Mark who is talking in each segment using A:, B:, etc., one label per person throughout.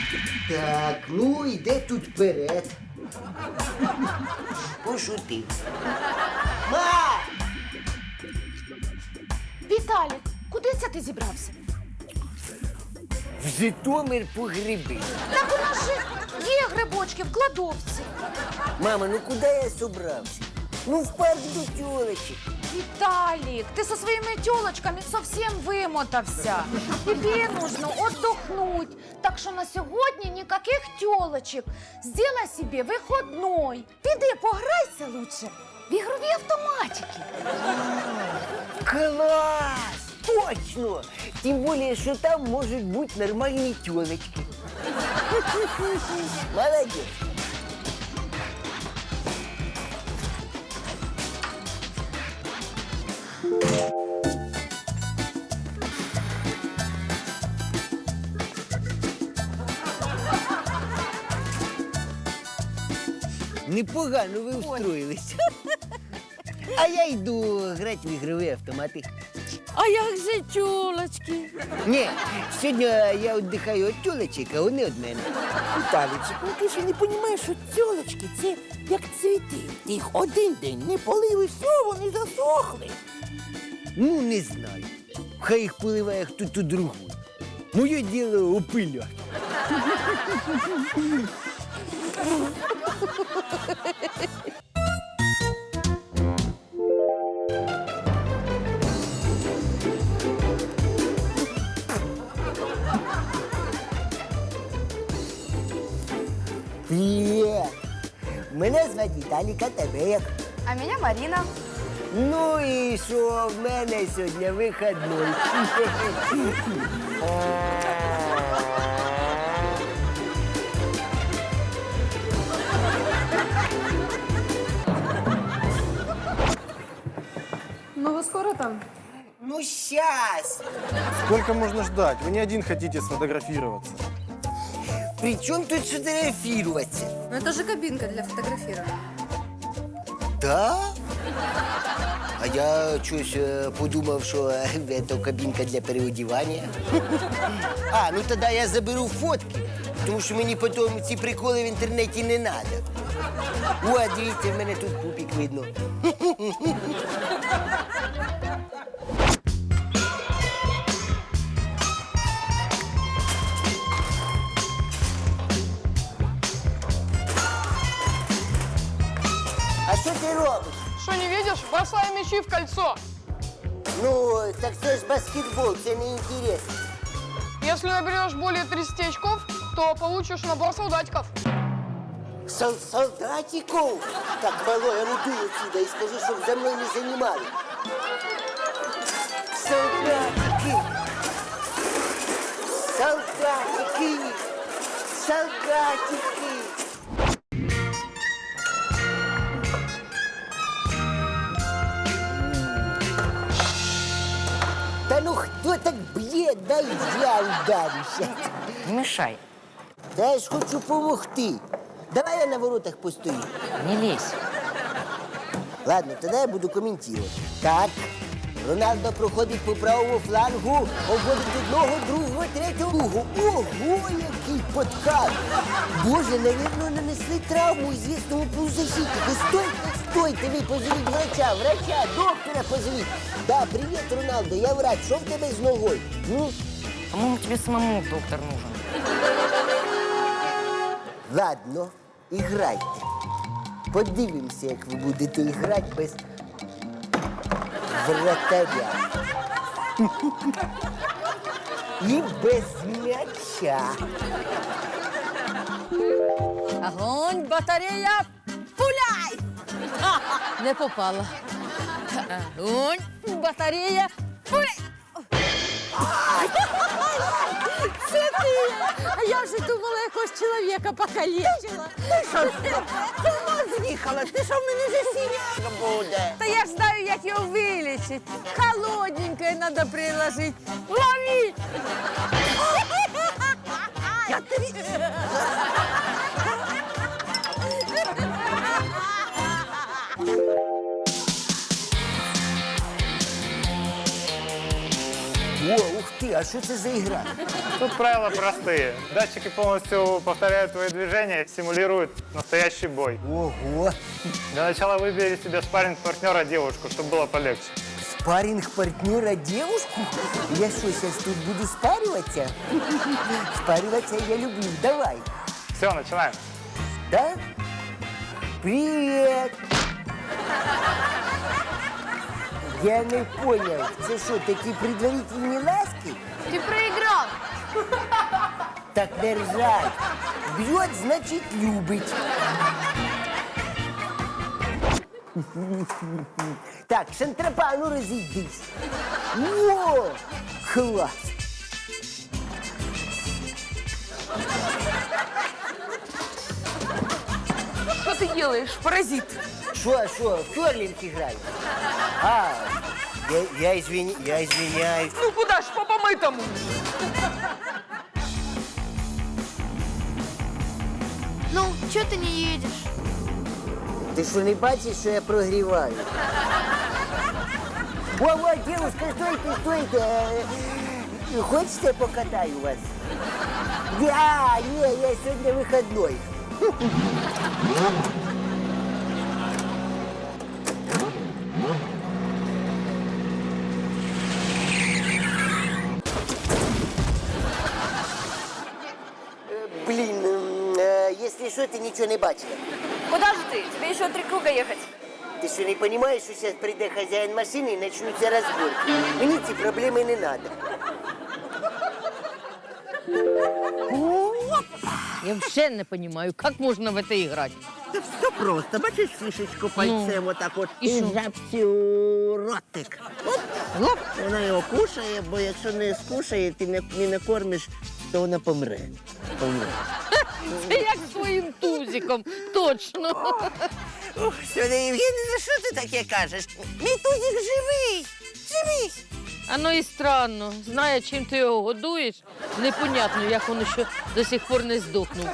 A: Так, ну йде тут вперед. Пошутив. Ма!
B: Віталік, куди це ти зібрався?
A: В Житомир по гриби.
B: Так у нас же є грибочки в кладовці.
A: Мама, ну куди я собрався? Ну в парк до тёлочек.
B: Виталик, ты со своими телочками совсем вымотався. Тебе нужно отдохнуть. Так что на сегодня никаких телочек. Сделай себе выходной. Піди пограйся лучше в ігрові автоматики.
A: Класс! Точно! Тем более, что там может быть нормальные тёлочки. Молодец! Непогано ви устроїлись. А я йду грати в ігрові автомати.
B: А як же тілочки?
A: Ні, сьогодні я віддихаю від тюлечок, а вони від мене.
C: Віталійчик, ну ти ж не розумієш, що тьолочки це як цвіти. Ти їх один день не полив і все, вони засохли.
A: Ну, не знаю. Хай їх поливає хтось другий. Моє діло опиляти. Привіт! Мене звати Віталік, а тебе як?
B: А меня Марина.
A: Ну і що, в мене сьогодні вихідний.
B: Ну вы скоро там?
A: Ну, щас!
D: Сколько можно ждать? Вы не один хотите сфотографироваться.
A: При чому тут фотографуватися?
E: Ну это же кабинка для фотографирования.
A: Да? А я щось подумав, що це кабінка для переодівання. А, ну тоді я заберу фотки, тому що мені потім ці приколи в інтернеті не треба. О, дивіться, в мене тут пупік видно. А що ти робиш?
F: Что, не видишь? Бросай мячи в кольцо.
A: Ну, так це ж баскетбол, це не інтересно.
F: Если наберешь более 30 очков, то получишь набор солдатиков.
A: Солдатиков? Так, малой, а ну дуй отсюда и скажи, чтобы за мной не занимали. Солдатики! Солдатики! Солдатики! Да ну кто так бьет? Дай я ударюся.
C: Не мешай,
A: Да я ж хочу помогти. Давай я на воротах постою.
C: не лезь.
A: Ладно, тогда я буду комментировать. Так, Роналдо проходить по правому флангу, обводить одного, другого, третього. Ого, який подкат! Боже, наверное, нанесли травму известному полузащитнику. Стойте, ви позовіть врача, доктора позовіть. Да, привет, Роналдо, я врач, що в тебе з ногою?
C: По-моему, тебе самому доктор нужен.
A: Ладно, іграйте. Подивимося, як ви будете грати без вратаря. І без м'яча.
E: Огонь, батарея, пуляй! Не попала. Огонь, батарея, пуляй! Це ти! А я вже думала, якогось чоловіка покалічила. Ти що,
C: З'їхала, ти що в мене за сіняк буде?
E: Та я ж знаю, як його вилічити. Холодненькое треба приложити. Лови!
C: Я тобі...
A: О, ух ти, а що це за ігра?
G: Тут правила простые. Датчики полностью повторяют твои движения, симулируют настоящий бой.
A: Ого!
G: Для начала выбери себе спарринг-партнера девушку, чтобы было полегче.
A: Спарринг-партнера девушку? Я что, сейчас тут буду спариваться? Спариваться я люблю. Давай.
G: Все, начинаем.
A: Да? Привет! Я не понял. Це що, такі предварительні ласки?
B: Ты проиграл.
A: Так не ржать. Б'ють, значить, любить. Так, Шантропа, ну розійдись. О, клас.
B: Что ты делаешь, паразит?
A: Що, в керлинг граю? А, я извиняюсь.
B: Ну куда ж по помытому?
H: Ну, чё ты не едешь?
A: Ти що, не бачиш, що я прогріваю? Во, девушка, стойте. Хочете, покатаю вас? Ні, я сьогодні вихідний. Блин, если что, ты ничего не бачила.
H: Куда же ты? Тебе еще 3 круга ехать.
A: Ти що, не розумієш, що зараз прийде хазяїн машини і почнуться розборки? Мені ці проблеми не треба.
E: Я вообще не понимаю, как можно в это играть.
C: Це все просто. Бачиш фішечку пальцем отак от
E: І
C: і
E: що?
C: жабці у ротик. Оп, оп. Вона його кушає, бо якщо не скушає, ти не накормиш, то вона помре.
E: Це як з твоїм тузиком, точно.
C: Сьогодні, Євгенія, що ти таке кажеш? Мій тузик живий! Живий!
E: Оно і странно. Знає, чим ти його годуєш, непонятно, як він ще до сих пор не здохнув.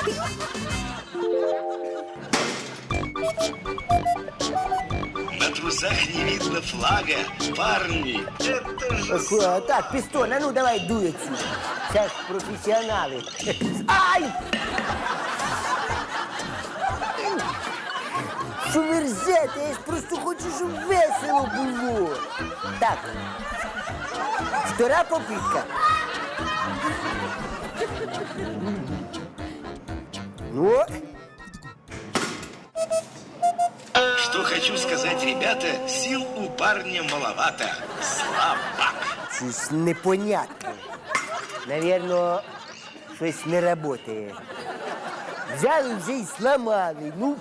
I: На трусах не видно флага, парни. Это же...
A: Так, пістон, а ну давай дуй отсюда. Зараз професіонали. Ай! Що ви ржете? Я ж просто хочу, щоб весело було. Так. Втора попитка. Ну,
I: Что хочу сказать, ребята, сил у парня маловато. Слабак.
A: щось непонятне. Навірно, щось не працює. Взяли вже і сломали. Ну.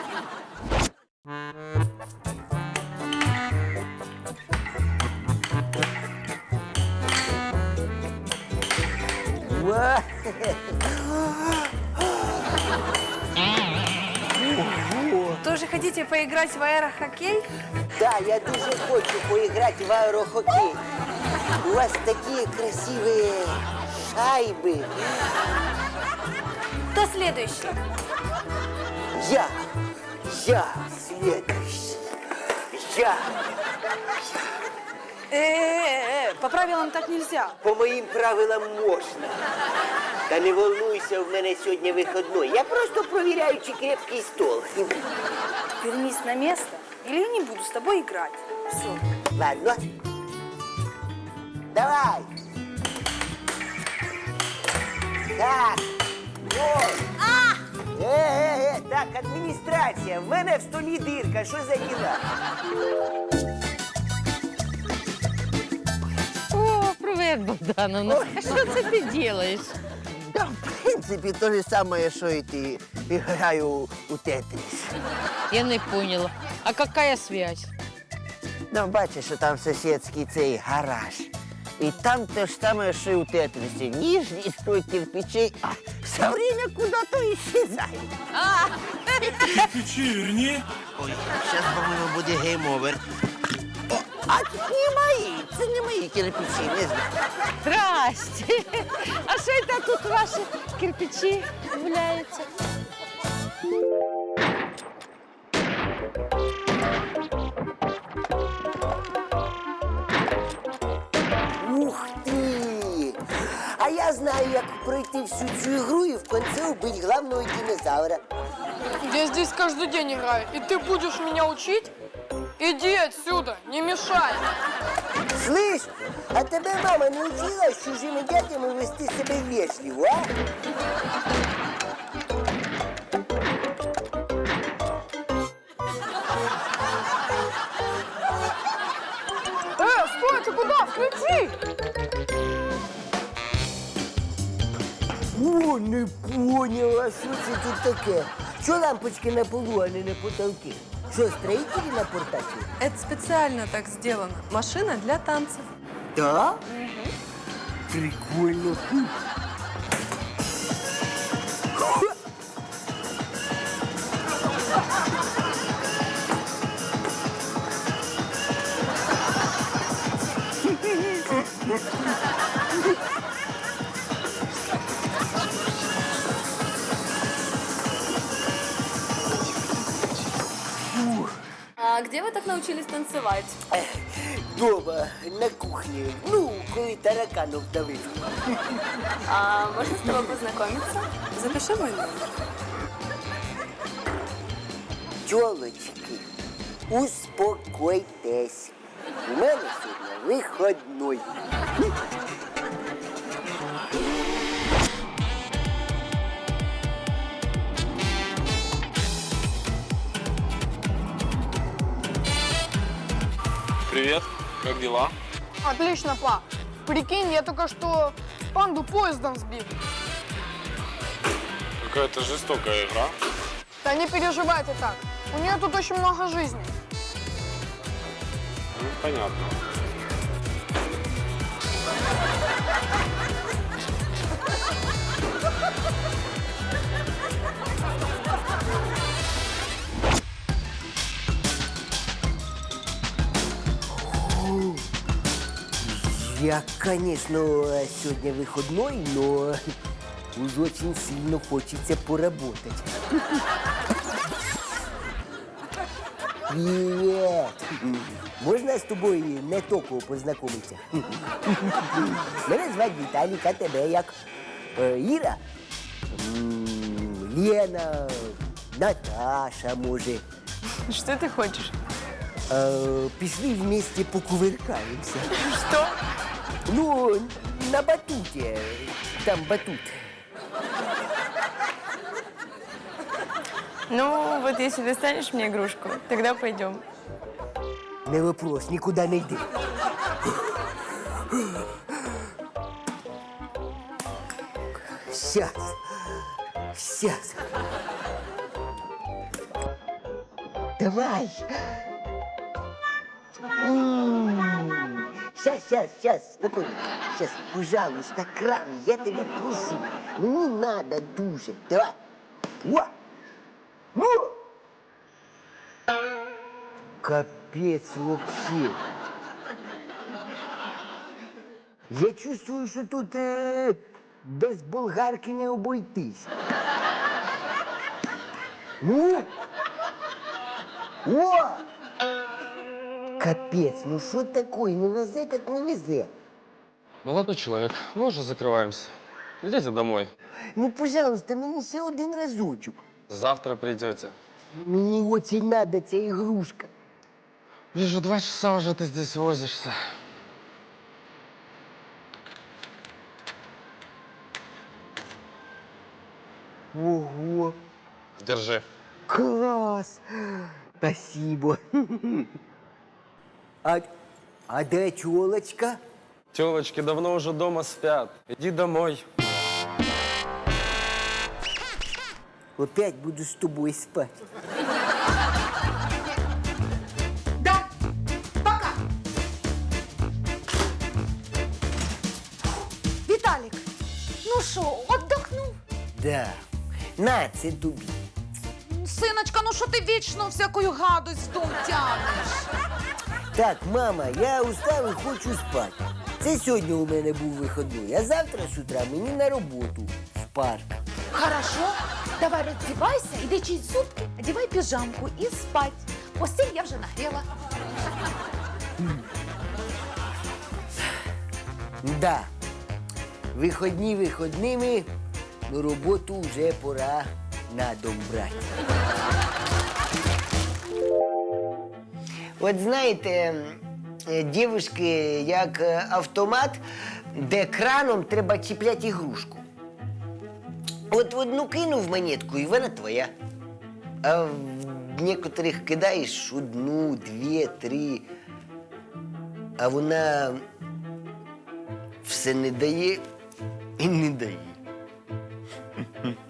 A: Ва!
H: Тоже хотите поиграть в аэрохоккей?
A: Да, я дуже хочу поиграть в аэрохоккей. У вас такие красивые шайбы.
H: Кто следующий?
A: Я следующий. Я.
H: По правилам так нельзя.
A: По моїм правилам можна. Та не волнуйся, в мене сьогодні вихідний. Я просто провіряю, чи крепкий стол.
H: Вернись на место, или я не буду с тобой играть. Все.
A: Ладно. Давай. Так. Ой. Так, адміністрація, в мене в столі дирка, що за діла?
E: О, привет, Богдановна. А що це ти робиш?
C: Та, в принципі, те ж саме, що і ти. Граю у тетріс.
E: Я не поняла. А какая связь?
C: Ну, бачиш, що там сусідський цей гараж. І там те ж саме, що і у тетрісі. Нижній строй кирпичей, а все время куда-то исчезає.
I: Вечерний.
C: Ой, зараз, по-моєму, буде гейм-овер. О, а це не мої, це не мої кирпичі, не знаю.
E: Здрасте. А що це тут ваші кирпичі гуляються?
A: Ух ти! Я знаю, як пройти всю цю ігру і в кінці убити главного динозавра.
F: Я здесь каждый день играю, и ты будешь меня учить? Иди отсюда, не мешай.
A: Слышь, а тебе мама не учила з чужими дядями вести себе вежливо, а?
F: Стой, ты куда? Включи!
A: О, не понял, а що це тут таке? Що лампочки на полу, а не на потолке? Що, строїтелі напортачили?
J: Это специально так сделано. Машина для танцев.
A: Да? Прикольно.
J: А где вы так научились танцевать?
A: Дома, на кухні. Ну, коли тараканов давив.
J: А можно с тобой познакомиться? Запиши мой номер.
A: Тёлочки, успокойтесь. У мене сьогодні вихідний.
K: Привет, как дела?
F: Отлично, па. Прикинь, я только что панду поездом сбил.
K: Какая-то жестокая игра.
F: Да не переживай ты так. У нее тут очень много жизни.
K: Ну, понятно.
A: Я, конечно, сегодня выходной, но уж очень сильно хочется поработать. Привет! Можно с тобой не тільки познайомитися? Мене звати Віталік, а тебе як? Іра? Лена, Наташа, може.
J: Что ты хочешь?
A: Пішли вместе покувыркаемся.
J: Что?
A: Ну, на батуте. Там батут.
J: Ну, вот если достанешь мне игрушку, тогда пойдем.
A: Не вопрос, никуда не йди. Сейчас. Сейчас. Давай. Сейчас, спокойно. Сейчас, пожалуйста, кран, я тебя прошу. Ну, не надо дуже. Давай. Во! Ну! Капец вообще. Я чувствую, что тут без болгарки не обойтись. Ну! О! Капец, ну что такое? Не везе, так не везе.
K: Молодой человек, мы уже закрываемся. Идите домой.
A: Ну, пожалуйста, мені ще один разочок.
K: Завтра придете.
A: Мені очень надо ця ігрушка.
K: Вижу, 2 часа уже ты здесь возишься.
A: Ого,
K: Держи.
A: класс! Спасибо. А де тёлочка?
K: Телочки давно уже дома спят. Иди домой.
A: Опять буду с тобой спать.
B: Да, пока. Віталік, ну що, отдохнув?
A: Да. На, це тобі.
B: Синочка, ну що ти вічно всякою гадость в дом тягнеш?
A: Так, мама, я устав і хочу спати. Це сьогодні у мене був вихідний, а завтра з утра мені на роботу в парк.
B: Хорошо, давай роздівайся, іди чисть зубки, одівай піжамку і спать. Постіль я вже нагріла.
A: Да. Виходні виходними, но роботу вже пора на дом брати. От знаєте, дівушки, як автомат, де краном треба чіпляти ігрушку. От в одну кинув монетку, і вона твоя. А в некоторих кидаєш одну, дві, три, а вона все не дає і не дає.